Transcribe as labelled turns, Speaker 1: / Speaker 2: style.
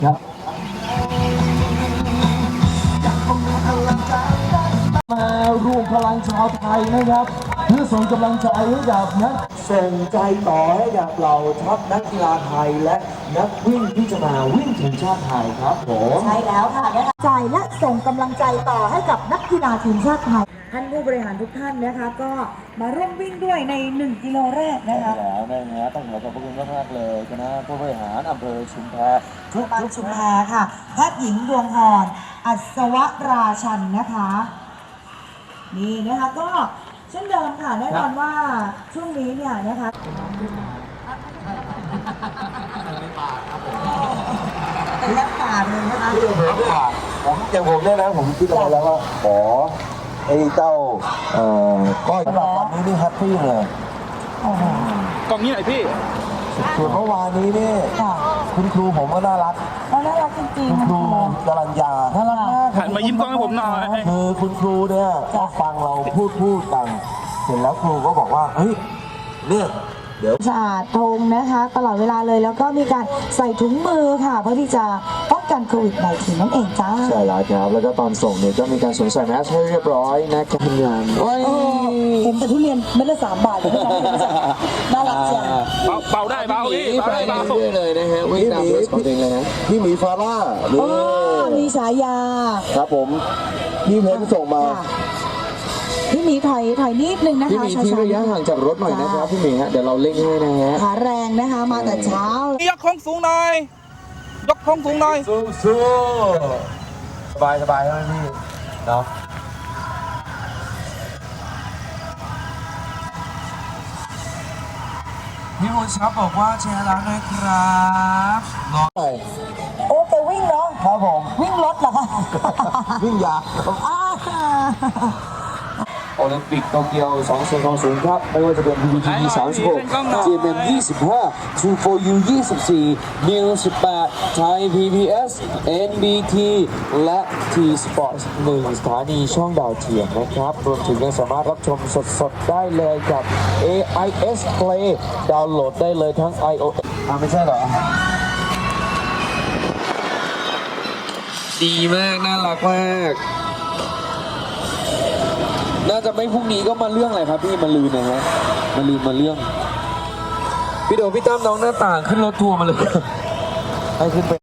Speaker 1: ครับมารวมพลังชาวไทยนะครับเพื่อส่งกำลังใจให้กับนักส่งใจต่อให้กับเราทัพนักกีฬาไทยและนักวิ่งที่จะมาวิ่งทีมชาติไทยครับผม
Speaker 2: ใช่แล้วค่ะนะคะใจและส่งกำลังใจต่อให้กับนักกีฬาทีมชาติไทยท่านผู้บริหารทุกท่านนะคะก็มาร่วมวิ่งด้วยใน1 กิโลแรกนะคะ
Speaker 1: แล้วนะฮะต้องขอขอบคุณมากๆเลยคณะผู้บริหารอำเภอชุมแพ
Speaker 2: ทุกชุมแพค่ะแพทย์หญิงดวงพรอัศวราชันนะคะนี่นะคะก็เช่นเดิมค่ะแน่นอนว่าช่วงนี้เนี่ยนะคะเป็นน้ำป่าเลยนะคะ
Speaker 1: ผมอย่างผมเนี่ยนะผมคิดเอาไว้แล้วว่าขอไอ้เจ้าก้อยสำหรับวันนี้นี่แฮปปี้เลย
Speaker 3: กล่องนี้หน่อยพี่
Speaker 1: ส่วนเมื่อวานนี้นี่คุณครูผมก็น่ารัก
Speaker 2: น่ารักจริง
Speaker 1: ๆคุณครูกรัญญาน่ารักมาก
Speaker 3: หันมายิ้มกล้องให้ผมหน่อย
Speaker 1: คือคุณครูเนี่ยก็ฟังเราพูดกันเสร็จแล้วครูก็บอกว่าเฮ้ยเนี่ยเดี๋ยว
Speaker 2: สะอาดทงนะคะตลอดเวลาเลยแล้วก็มีการใส่ถุงมือค่ะเพื่อที่จะป้องกันโควิด-19นั่นเองจ้า
Speaker 1: ใช่แล้วครับแล้วก็ตอนส่งเนี่ยก็มีการสวมใส่แมสให้เรียบร้อยนะครับทำงาน
Speaker 2: เห็นแต่ทุเรียนเม็ดละ3 บาทเลยน่ารักจัง
Speaker 3: เบาได้เบาพี่เบาได้เบา
Speaker 1: เลยนะฮะวิ่งตามรถของเองเลยนะพี่หมีฟาร่า
Speaker 2: มีฉายา
Speaker 1: ครับผมพี่เพนส่งมา
Speaker 2: พี่หมีถอยนิดนึงนะคะ
Speaker 1: พี่หมีที่ระยะห่างจากรถหน่อยนะครับพี่หมีฮะเดี๋ยวเราเล่งให้นะฮะ
Speaker 2: ขาแรงนะคะมาแต่เช้าย
Speaker 3: กของสูงหน่อยยกของสูงหน่อย
Speaker 1: สู้สบายใช่ไหมพี่เนาะพี่มนชับบอกว่าแชร์แล้วนะครับรอ
Speaker 2: โอ้ไปวิ่งเนาะ
Speaker 1: ครับผม
Speaker 2: วิ่งรถเหรอคะ
Speaker 1: วิ่งยาโอลิมปิกโตเกียว2020ครับไม่ว่าจะเป็น PPT 36 GMM 25 2 4U 24 New 18 Thai PBS NBT และ T Sports 1 สถานีช่องดาวเทียมนะครับรวมถึงยังสามารถรับชมสดๆได้เลยกับ AIS Play ดาวน์โหลดได้เลยทั้ง iOS ไม่ใช่เหรอดีมากน่ารักมากน่าจะไม่พรุ่งนี้ก็มาเรื่องอะไรครับพี่มาลืนนะฮะมาลืนมาเรื่องพี่โดพี่ตั้มน้องหน้าต่างขึ้นรถทัวร์มาเลยให้ขึ้นไป